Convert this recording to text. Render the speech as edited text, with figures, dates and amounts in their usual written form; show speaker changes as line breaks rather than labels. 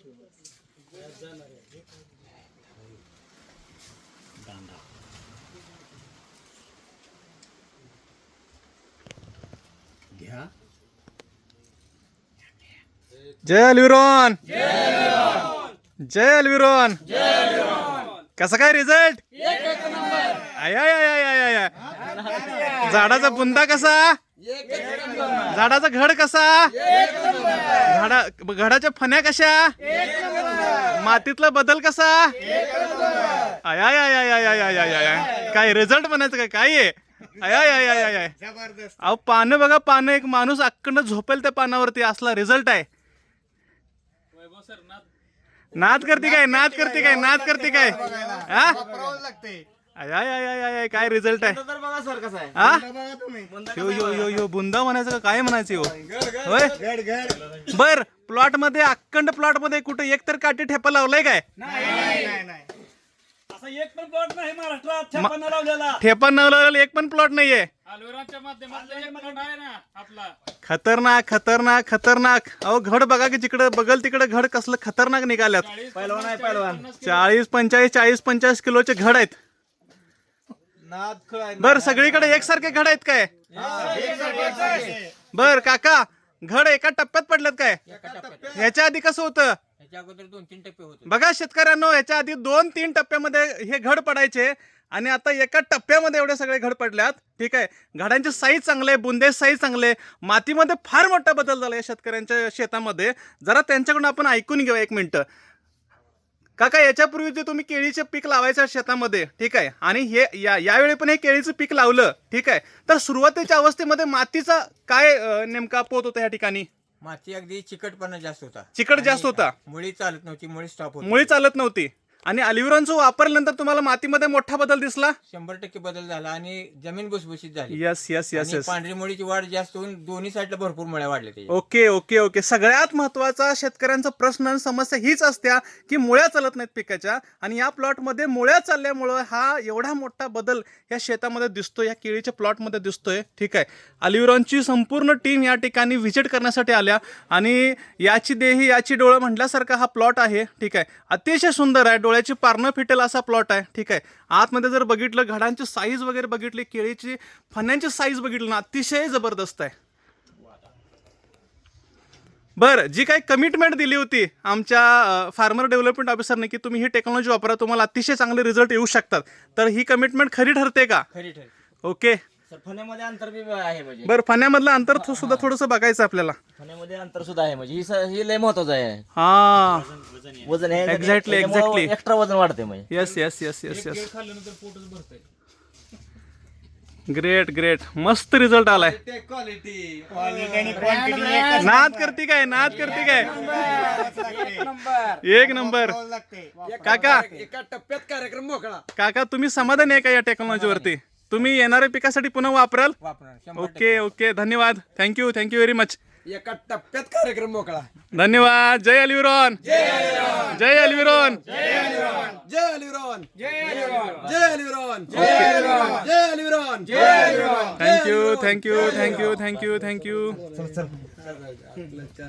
जय Alviron, जय अल्विरॉन. कसा काय रिझल्ट? झाडाचा बुंदा कसा? झाडाचा घड कसा? घडाच्या फण्या कशा? मातीतला बदल कसा? काय रिझल्ट म्हणायचं काय? काय आहे? अहो पानं बघा, पानं. एक माणूस अक्कंड झोपेल त्या पानावरती, असला रिझल्ट आहे. नाद करते काय? नाद करते काय? नाद करते काय? काय रिझल्ट आहे? यो बुंदा म्हणायचं का काय म्हणायचं? होय. बर, प्लॉट मध्ये, अखंड प्लॉट मध्ये कुठे एक तर काठी ठेपा लावलाय काय?
एक पण प्लॉट नाही महाराष्ट्रात ठेपा न लावलेला.
ठेपा न लावलेला एक पण प्लॉट नाहीये.
अल्विरॉनच्या माध्यमातून एक प्लॉट आहे ना आपला.
खतरनाक खतरनाक खतरनाक. अहो घड बघा की जिकडे बघल तिकडे घड कसलं खतरनाक निघाल्यात. 40-45 किलोचे घड आहेत. बर, सगळीकडे एकसारखे घड आहेत काय? बर काका, घड एका टप्प्यात पडलेत काय? ह्याच्या आधी कसं होतं?
अगोदर 2-3 टप्पे होते
बघा शेतकऱ्यांनो, ह्याच्या आधी 2-3 टप्प्यामध्ये हे घड पडायचे आणि आता एका टप्प्यामध्ये एवढे सगळे घड पडल्यात. ठीक आहे, घडांचे साईज चांगले, बुंदे साईज चांगले, मातीमध्ये फार मोठा बदल झाला या शेतकऱ्यांच्या शेतामध्ये. जरा त्यांच्याकडून आपण ऐकून घेऊया एक मिनिट. काका, याच्यापूर्वी जे तुम्ही केळीचे पीक लावायचं शेतामध्ये, ठीक आहे, आणि हे यावेळी पण हे केळीचं पीक लावलं, ठीक आहे, तर सुरुवातीच्या अवस्थेमध्ये मातीचा काय नेमका पोत होता या ठिकाणी?
माती अगदी चिकटपणा जास्त होता.
चिकट जास्त होता.
मुळी चालत नव्हती, मुळी स्टॉप होती.
मुळी चालत नव्हती. आणि अल्विरॉनचं वापरल्यानंतर तुम्हाला मातीमध्ये मोठा बदल दिसला?
100% बदल झाला आणि जमीन भुसभुशीत झाली.
यस यस यस
आणि
यस.
पांढरी मुळीची वाढ जास्त होऊन दोन्ही साईडला भरपूर मुळ्या वाढल्या त्याच्या.
Okay okay okay. सगळ्यात महत्वाचा शेतकऱ्यांचा प्रश्न आणि समस्या हीच असत्या की मुळ्या चालत नाहीत पिकाच्या, आणि या प्लॉटमध्ये मुळ्या चालल्यामुळं हा एवढा मोठा बदल या शेतामध्ये दिसतोय, या केळीच्या प्लॉटमध्ये दिसतोय. ठीक आहे, अल्विरॉनची संपूर्ण टीम या ठिकाणी व्हिजिट करण्यासाठी आल्या आणि याची देही याची डोळं म्हटल्यासारखा हा प्लॉट आहे. ठीक आहे, अतिशय सुंदर आहे, डोळ्याची पारणं फिटेल असा प्लॉट आहे. ठीक आहे, आतमध्ये जर बघितलं, घडांची साईज वगैरे बघितली, केळीची फण्यांची साईज बघितली ना, अतिशय जबरदस्त आहे. बरं, जी काही कमिटमेंट दिली होती आमच्या फार्मर डेव्हलपमेंट ऑफिसरने की तुम्ही ही टेक्नॉलॉजी वापरा, तुम्हाला अतिशय चांगले रिझल्ट येऊ शकतात, तर ही कमिटमेंट खरी ठरते का?
खरी ठरली.
ओके.
सर, फण्यामध्ये अंतर बी आहे म्हणजे.
बरं, फण्यामधलं अंतर सुद्धा थोडंसं बघायचं आपल्याला.
फण्यामध्ये अंतर सुद्धा आहे म्हणजे ही लय महत्वाचं आहे.
हा,
वजन आहे
एक्झॅक्टली एक्झॅक्टली.
एक्स्ट्रा वजन वाढते म्हणजे.
Yes yes yes yes yes.
खाल्ल्यानंतर पोटच भरतंय.
ग्रेट ग्रेट, मस्त रिझल्ट आलाय. नाद करते काय? नाद करते काय? एक नंबर. काका,
एका टप्प्यात कार्यक्रम मोकळा.
काका तुम्ही समाधानी आहे का या टेक्नॉलॉजीवरती? तुम्ही येणाऱ्या पिकासाठी पुन्हा वापराल?
वापरणार.
ओके ओके, धन्यवाद. Thank you thank you very much.
एका टप्प्यात कार्यक्रम मोकळा.
धन्यवाद. जय अल्विरॉन, जय अल्विरॉन,
जय अल्विरॉन, जय अल्विरॉन, जय Alviron.
Thank you thank you thank you thank you thank you.